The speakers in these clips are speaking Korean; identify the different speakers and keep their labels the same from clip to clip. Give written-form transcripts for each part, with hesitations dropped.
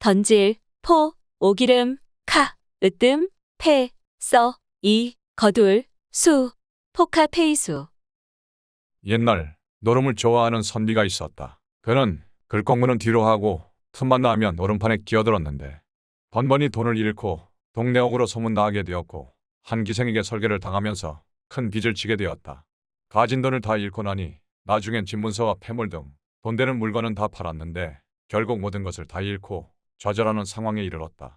Speaker 1: 던질, 포, 오기름, 카, 으뜸, 패, 써, 이, 거둘, 수, 포카페이수.
Speaker 2: 옛날 노름을 좋아하는 선비가 있었다. 그는 글공부는 뒤로 하고 틈만 나면 노름판에 끼어들었는데 번번이 돈을 잃고 동네옥으로 소문나게 되었고 한 기생에게 설계를 당하면서 큰 빚을 지게 되었다. 가진 돈을 다 잃고 나니 나중엔 집문서와 폐물 등 돈 되는 물건은 다 팔았는데 결국 모든 것을 다 잃고 좌절하는 상황에 이르렀다.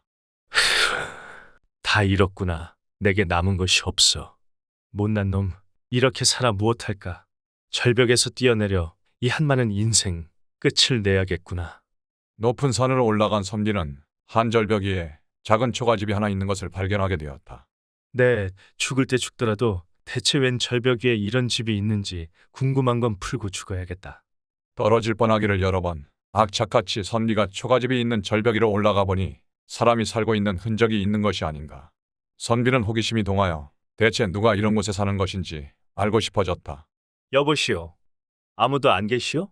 Speaker 3: 다 잃었구나. 내게 남은 것이 없어. 못난 놈, 이렇게 살아 무엇할까? 절벽에서 뛰어내려 이 한많은 인생 끝을 내야겠구나.
Speaker 2: 높은 산으로 올라간 선비는 한 절벽 위에 작은 초가집이 하나 있는 것을 발견하게 되었다.
Speaker 3: 네, 죽을 때 죽더라도 대체 웬 절벽 위에 이런 집이 있는지 궁금한 건 풀고 죽어야겠다.
Speaker 2: 떨어질 뻔하기를 여러 번 악착같이 선비가 초가집이 있는 절벽 위로 올라가 보니 사람이 살고 있는 흔적이 있는 것이 아닌가. 선비는 호기심이 동하여 대체 누가 이런 곳에 사는 것인지 알고 싶어졌다.
Speaker 3: 여보시오, 아무도 안 계시오?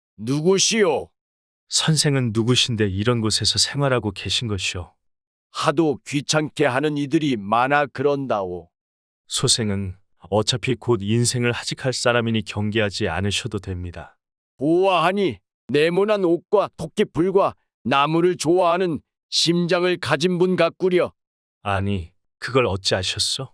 Speaker 4: 누구시오?
Speaker 3: 선생은 누구신데 이런 곳에서 생활하고 계신 것이오?
Speaker 4: 하도 귀찮게 하는 이들이 많아 그런다오.
Speaker 3: 소생은 어차피 곧 인생을 하직할 사람이니 경계하지 않으셔도 됩니다.
Speaker 4: 보아하니 네모난 옷과 토끼풀과 나무를 좋아하는 심장을 가진 분 같구려.
Speaker 3: 아니, 그걸 어찌 아셨소?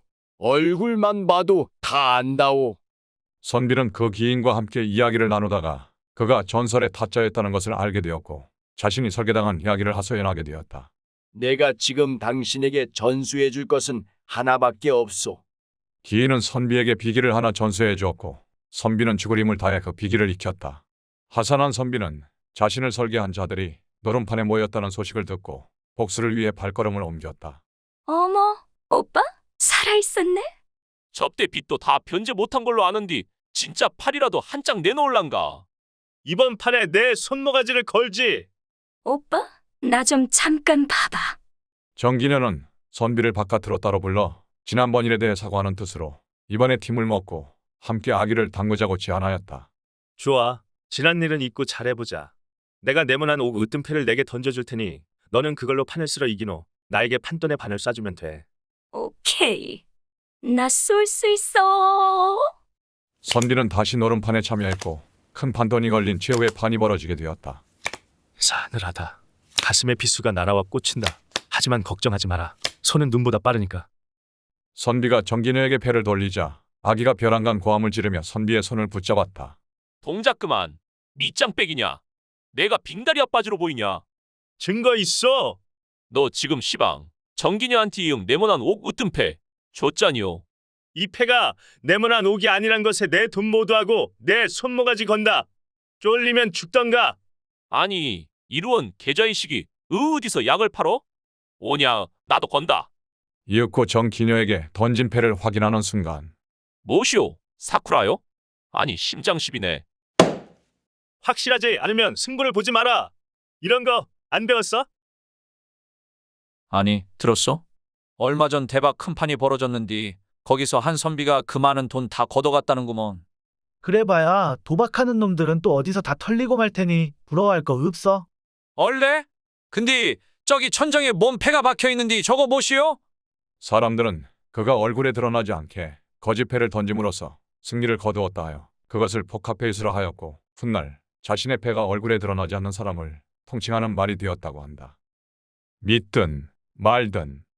Speaker 4: 얼굴만 봐도 다 안다오.
Speaker 2: 선비는 그 기인과 함께 이야기를 나누다가 그가 전설의 타짜였다는 것을 알게 되었고 자신이 설계당한 이야기를 하소연하게 되었다.
Speaker 4: 내가 지금 당신에게 전수해 줄 것은 하나밖에 없소.
Speaker 2: 기인은 선비에게 비기를 하나 전수해 주었고 선비는 죽을 힘을 다해 그 비기를 익혔다. 하산한 선비는 자신을 설계한 자들이 노름판에 모였다는 소식을 듣고 복수를 위해 발걸음을 옮겼다.
Speaker 1: 어머, 오빠? 살아있었네?
Speaker 5: 접대 빚도 다 변제 못한 걸로 아는디 진짜 팔이라도 한 장 내놓을란가.
Speaker 3: 이번 판에 내 손모가지를 걸지!
Speaker 1: 오빠? 나 좀 잠깐 봐봐.
Speaker 2: 정기녀는 선비를 바깥으로 따로 불러 지난번 일에 대해 사과하는 뜻으로 이번에 팀을 먹고 함께 아기를 담그자고 제안하였다.
Speaker 3: 좋아. 지난 일은 잊고 잘해보자. 내가 네모난 옥 으뜸패를 내게 던져줄 테니 너는 그걸로 판을 쓸어 이긴 후 나에게 판돈의 반을 쏴주면 돼.
Speaker 1: 오케이. 나 쏠 수 있어.
Speaker 2: 선비는 다시 노름판에 참여했고 큰 판돈이 걸린 최후의 판이 벌어지게 되었다.
Speaker 3: 싸늘하다. 가슴에 비수가 날아와 꽂힌다. 하지만 걱정하지 마라. 손은 눈보다 빠르니까.
Speaker 2: 선비가 정기녀에게 패를 돌리자 아기가 벼랑간 고함을 지르며 선비의 손을 붙잡았다.
Speaker 5: 동작 그만. 밑장빼기냐. 내가 빙다리 아빠지로 보이냐.
Speaker 3: 증거 있어!
Speaker 5: 너 지금 시방 정기녀한테 이응 네모난 옥 으뜸패 줬잖니요.
Speaker 3: 이 패가 네모난 옥이 아니란 것에 내 돈 모두 하고 내 손모가지 건다. 쫄리면 죽던가.
Speaker 5: 아니 이루원 계좌이식이 어디서 약을 팔어? 오냐 나도 건다.
Speaker 2: 이윽고 정기녀에게 던진 패를 확인하는 순간
Speaker 5: 뭐시오? 사쿠라요? 아니 심장십이네.
Speaker 3: 확실하지 않으면 승부를 보지 마라. 이런 거 안 배웠어?
Speaker 6: 아니, 들었어? 얼마 전 대박 큰 판이 벌어졌는디 거기서 한 선비가 그 많은 돈 다 걷어갔다는구먼.
Speaker 7: 그래봐야 도박하는 놈들은 또 어디서 다 털리고 말 테니 부러워할 거 없어?
Speaker 6: 얼레? 근데 저기 천정에 뭔 패가 박혀있는디 저거 뭐시오?
Speaker 2: 사람들은 그가 얼굴에 드러나지 않게 거짓패를 던짐으로써 승리를 거두었다 하여 그것을 포카페이스라 하였고 훗날 자신의 패가 얼굴에 드러나지 않는 사람을 통칭하는 말이 되었다고 한다. 믿든 말든